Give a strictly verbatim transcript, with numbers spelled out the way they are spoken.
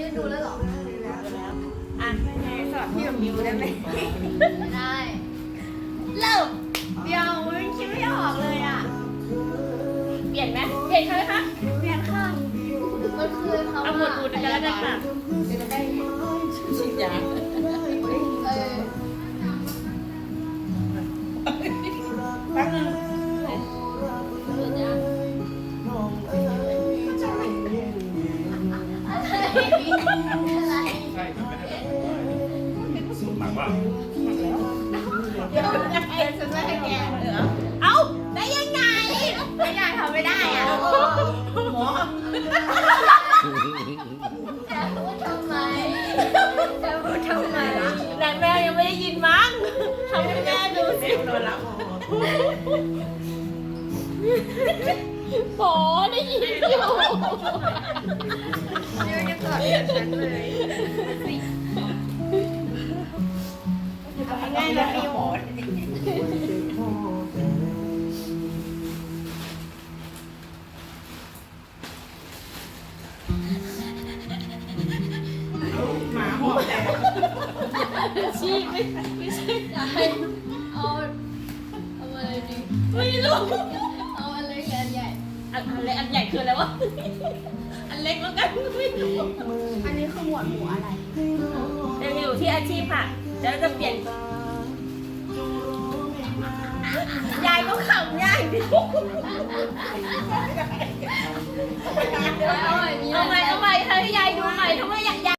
นดูแล้วเหรออ่ะสอบพี่กับมิวได้ไหมไม่ได้เริ่มเดี๋ยวมันคิดไม่ออกเลยอ่ะเปลี่ยนไหมเปลี่ยนเขาไหมคะเปลี่ยนค่ะมันคือคำว่าเอาหมวดหมู่กันแล้วกันค่ะจะได้ฉีดยาเออแป๊บนึงเดี๋ยวนะอะไรใช่มันไม่ได้หมักว่าเดี๋ยวไอ้ฉันไม่ให้แกเหรอเอ้าได้ยังไงไม่ได้ทำไม่ได้อ่ะหมอจะพูดทำไมจะพูดทำไมนายแม่ยังไม่ได้ยินมั้งทำให้แม่ดูสิโดนแล้วหมอได้ยินอยู่เดี๋ยวจะตอบฉันเลยง่ายนะพี่หมอหมาหอบแตกชีไม่ไม่ใช่จะให้เอาเอาอะไรดีไม่รู้เอาอะไรกันใหญ่อันอันเล็กอันใหญ่คืออะไรวะอันเล็กแล้วกันไม่รู้อันนี้คือหมวดหมู่อะไรยังอยู่ที่อาชีพค่ะแล้วจะเปลี่ยนยายก็ขำยายดิเอาใหม่มีเอาอะไรใหม่เอาใหม่ให้ยายดูใหม่ทำไมอยาก